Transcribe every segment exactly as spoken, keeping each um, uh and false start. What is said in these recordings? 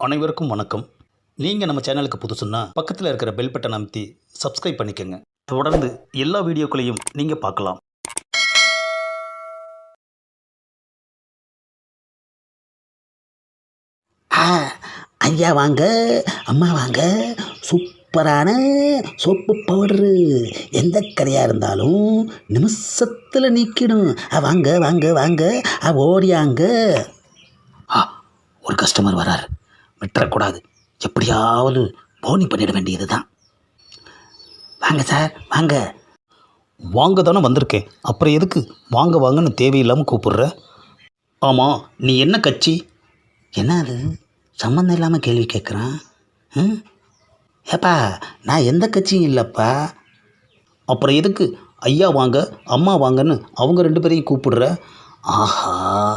அனைவருக்கும் வணக்கம். நீங்கள் நம்ம சேனலுக்கு புதுசுன்னா பக்கத்தில் இருக்கிற பெல் பட்டன் அமைத்தி சப்ஸ்கிரைப் பண்ணிக்கோங்க. தொடர்ந்து எல்லா வீடியோக்களையும் நீங்கள் பார்க்கலாம். ஆ ஐயா வாங்க, அம்மா வாங்க. சூப்பரான சோப்பு பவுடரு எந்த கரையாக இருந்தாலும் நிமிஷத்தில் நீக்கிடும். ஆ வாங்க வாங்க வாங்க, ஆ ஓடியாங்க. ஆ ஒரு கஸ்டமர் வரார், விட்டுறக்கூடாது. எப்படியாவது போனி பண்ணிட வேண்டியது தான். வாங்க சார் வாங்க. வாங்க தானே வந்திருக்கேன், அப்புறம் எதுக்கு வாங்க வாங்கன்னு தேவையில்லாமல் கூப்பிடுற? ஆமாம், நீ என்ன கட்சி? என்ன அது சம்மந்தம் இல்லாமல் கேள்வி கேட்குறான்? ம் ஏப்பா, நான் எந்த கட்சியும் இல்லைப்பா. அப்புறம் எதுக்கு ஐயா வாங்க அம்மா வாங்கன்னு அவங்க ரெண்டு பேரையும் கூப்பிடுற? ஆஹா,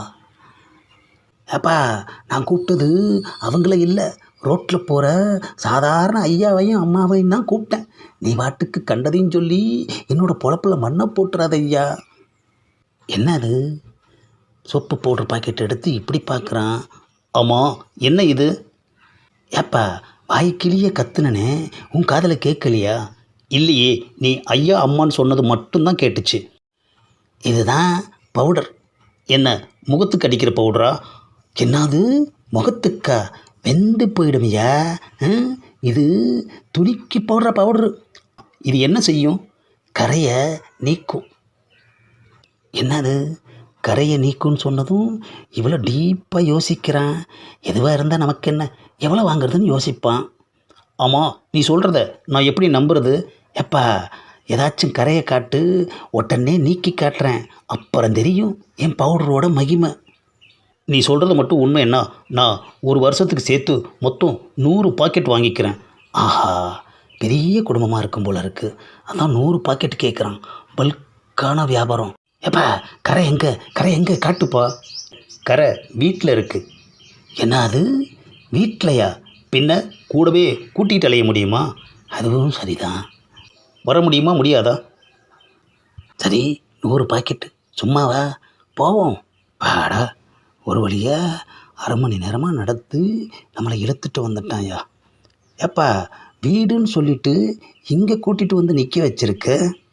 ஏப்பா நான் கூப்பிட்டது அவங்கள இல்லை, ரோட்டில் போகிற சாதாரண ஐயாவையும் அம்மாவையும் தான் கூப்பிட்டேன். நீ வாட்டுக்கு கண்டதையும் சொல்லி என்னோடய பொழப்பில் மண்ணை போட்டுறாத ஐயா. என்ன அது சோப்பு பவுடர் பாக்கெட் எடுத்து இப்படி பார்க்குறான்? ஆமாம், என்ன இது? ஏப்பா வாய்க்கிளியே கத்துனனே, உன் காதில் கேட்கலையா? இல்லையே, நீ ஐயா அம்மான்னு சொன்னது மட்டும்தான் கேட்டுச்சு. இதுதான் பவுடர். என்ன, முகத்துக்கு அடிக்கிற பவுடரா? என்னது முகத்துக்கா? வெந்து போயிடுமையா? ம், இது துணிக்கு போடுற பவுடரு. இது என்ன செய்யும்? கரையை நீக்கும். என்னது கரையை நீக்கும்னு சொன்னதும் இவ்வளோ டீப்பாக யோசிக்கிறான். எதுவாக இருந்தால் நமக்கு என்ன, எவ்வளோ வாங்குறதுன்னு யோசிப்பான். ஆமாம், நீ சொல்கிறத நான் எப்படி நம்புறது? எப்பா ஏதாச்சும் கரையை காட்டு, உடனே நீக்கி காட்டுறேன், அப்புறம் தெரியும் என் பவுடரோட மகிமை. நீ சொல்கிறது மட்டும் உண்மை என்ன? நான் ஒரு வருஷத்துக்கு சேர்த்து மொத்தம் நூறு பாக்கெட் வாங்கிக்கிறேன். ஆஹா, பெரிய குடும்பமாக இருக்கும் போல இருக்குது, அதான் நூறு பாக்கெட் கேட்குறான். பல்கான வியாபாரம். எப்பா கரை எங்கே, கரை எங்கே காட்டுப்பா. கரை வீட்டில் இருக்குது. என்ன அது வீட்டிலையா? பின்ன கூடவே கூட்டிகிட்டு அலைய முடியுமா? அதுவும் சரிதான். வர முடியுமா முடியாதா? சரி, நூறு பாக்கெட்டு சும்மாவா? போவோம் பாடா. ஒரு வழியாக அரை மணி நேரமாக நடத்து நம்மளை இழுத்துட்டு வந்துட்டான்யா. ஏப்பா வீடுன்னு சொல்லிட்டு இங்கே கூட்டிகிட்டு வந்து நிற்க வச்சிருக்க.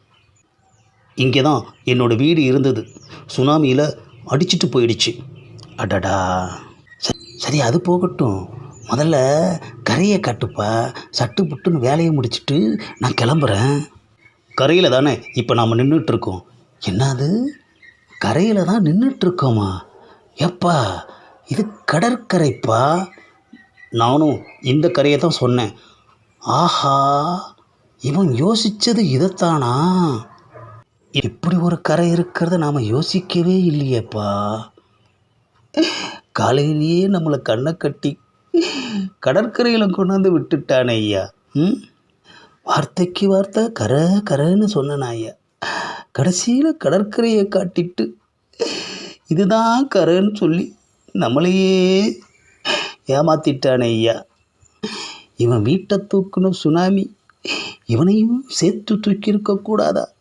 இங்கே தான் என்னோடய வீடு இருந்தது, சுனாமியில் அடிச்சிட்டு போயிடுச்சு. அடடா, சரி அது போகட்டும். முதல்ல கரையை காட்டுப்பா. சட்டு புட்டுன்னு வேலையை முடிச்சுட்டு நான் கிளம்புறேன். கரையில் தானே இப்போ நாம் நின்றுட்டுருக்கோம். என்னது கரையில் தான் நின்றுட்டுருக்கோமா? எப்பா இது கடற்கரைப்பா. நானும் இந்த கரையை தான் சொன்னேன். ஆஹா, இவன் யோசித்தது இதைத்தானா? இப்படி ஒரு கரை இருக்கிறத நாம் யோசிக்கவே இல்லையேப்பா. காலையிலேயே நம்மளை கண்ணை கட்டி கடற்கரையில் கொண்டாந்து விட்டுட்டானே ஐயா. ம் வார்த்தைக்கு வார்த்தை கரை கரைன்னு சொன்னேன் ஐயா. கடைசியில் கடற்கரையை காட்டிட்டு இதுதான் கரைன்னு சொல்லி நம்மளையே ஏமாத்திட்டானே ஐயா. இவன் வீட்டை தூக்கணும் சுனாமி, இவனையும் சேர்த்து தூக்கியிருக்க கூடாதா?